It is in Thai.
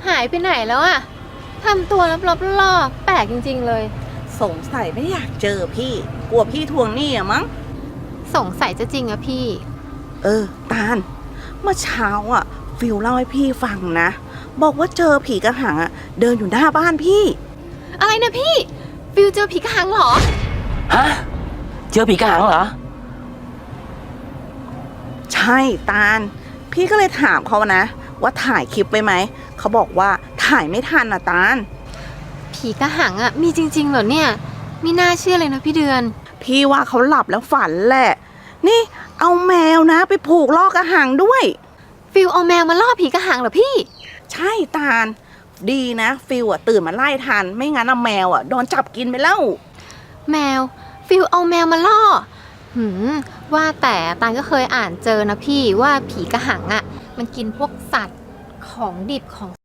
หายไปไหนแล้วอะทำตัวลับๆล่อๆแปลกจริงๆเลยสงสัยไม่อยากเจอพี่กลัวพี่ทวงหนี้อะมั้งสงสัยจะจริงอะพี่ตาลเมื่อเช้าอะฟิลเล่าให้พี่ฟังนะบอกว่าเจอผีกระหังอะเดินอยู่หน้าบ้านพี่อะไรนะพี่ฟิวเจอผีกระหังเหรอฮะเจอผีกระหังเหรอใช่ตาลพี่ก็เลยถามเขานะว่าถ่ายคลิปไว้ไหมเขาบอกว่าถ่ายไม่ทันอะตาลผีกระหังอะมีจริงๆเหรอเนี่ยไม่น่าเชื่อเลยนะพี่เดือนพี่ว่าเขาหลับแล้วฝันแหละนี่เอาแมวนะไปผูกล่อกระหังด้วยฟิวเอาแมวมาล่อผีกระหังเหรอพี่ใช่ตาลดีนะฟิลอะตื่นมาไล่ทันไม่งั้นแมวอะโดนจับกินไปแล้วแมวฟิวเอาแมวมาล่อว่าแต่ตาลก็เคยอ่านเจอนะพี่ว่าผีกระหังอะมันกินพวกสัตว์ของดิบของ